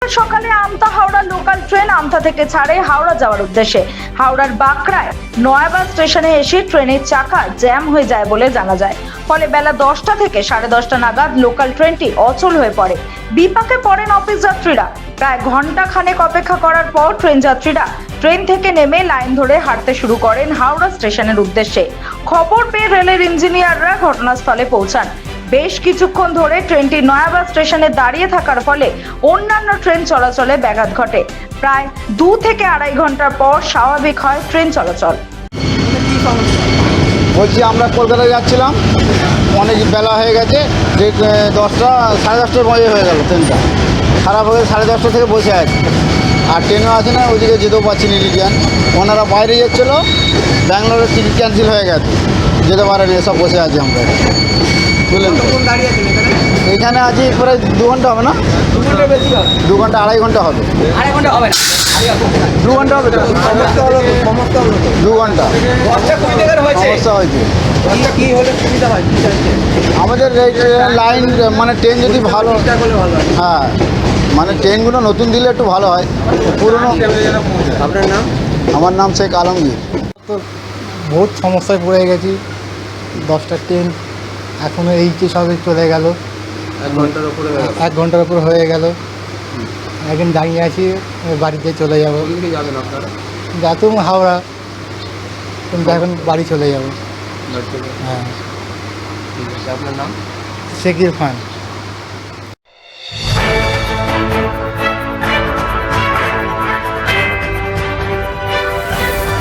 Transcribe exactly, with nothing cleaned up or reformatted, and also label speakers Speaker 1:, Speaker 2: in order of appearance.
Speaker 1: বুধবার সকালে Amta Howrah local train Amta থেকে ছাড়ে হাওড়া যাওয়ার উদ্দেশ্যে। হাওড়ার বাঁকড়ায় নয়াবাদ স্টেশনে এসে ট্রেনের চাকা জ্যাম হয়ে যায় বলে জানা যায়। ফলে বেলা দশটা থেকে সাড়ে দশটা নাগাদ লোকাল ট্রেনটি অচল হয়ে পড়ে। বিপাকে পড়েন অফিস যাত্রীরা। প্রায় ঘন্টা খানেক অপেক্ষা করার পর ট্রেন যাত্রীরা ট্রেন থেকে নেমে লাইন ধরে হাঁটতে শুরু করেন হাওড়া স্টেশনের উদ্দেশ্যে। খবর পেয়ে রেলের ইঞ্জিনিয়াররা ঘটনাস্থলে পৌঁছান। বেশ কিছুক্ষণ ধরে ট্রেনটি নয়াবাদ স্টেশনে দাঁড়িয়ে থাকার ফলে অন্যান্য ট্রেন চলাচলে ব্যাঘাত ঘটে। প্রায় দু থেকে আড়াই ঘন্টার পর স্বাভাবিক হয় ট্রেন চলাচল।
Speaker 2: বলছি আমরা কলকাতায় যাচ্ছিলাম, অনেক বেলা হয়ে গেছে, যে দশটা সাড়ে দশটার মধ্যে হয়ে গেল ট্রেনটা খারাপ হয়ে সাড়ে দশটা থেকে বসে আছে। আর ট্রেনও আছে না, ওইদিকে যেতেও পারছি না। ইলিজিয়ান ওনারা বাইরে যাচ্ছিলো, ব্যাঙ্গালোরের টিকিট ক্যান্সেল হয়ে গেছে, যেতে পারেনি, এসব বসে আছি আমরা। বুঝলেন, এখানে আছি প্রায় দু ঘন্টা হবে না, দু ঘন্টা বেশি হবে, দু ঘন্টা আড়াই ঘন্টা হবে,
Speaker 3: আড়াই ঘন্টা হবে না,
Speaker 2: দু ঘন্টা হবে, দু ঘন্টা সমস্যা হয়েছে।
Speaker 3: কি হলে সুবিধা হয়?
Speaker 2: আমাদের লাইন মানে ট্রেন যদি ভালো, হ্যাঁ মানে ট্রেনগুলো নতুন দিলে একটু ভালো হয়। পুরনো।
Speaker 3: আপনার নাম?
Speaker 2: আমার নাম শেখ আলমগীর।
Speaker 4: তো বহুত সমস্যায় পড়ে গেছি। দশটা ট্রেন এখনও এই যে সবে চলে গেল,
Speaker 3: এক ঘন্টার উপরে
Speaker 4: এক ঘন্টার উপর হয়ে গেল। এখন দাঁড়িয়ে আছি, বাড়িতে চলে যাব।
Speaker 3: কোনদিকে যাবেন আপনারা?
Speaker 4: যাতুম হাওড়া, কিন্তু এখন বাড়ি চলে যাব।
Speaker 3: ঠিক
Speaker 4: হ্যাঁ,
Speaker 3: আছে, আপনার নাম?
Speaker 4: শেখ ইরফান।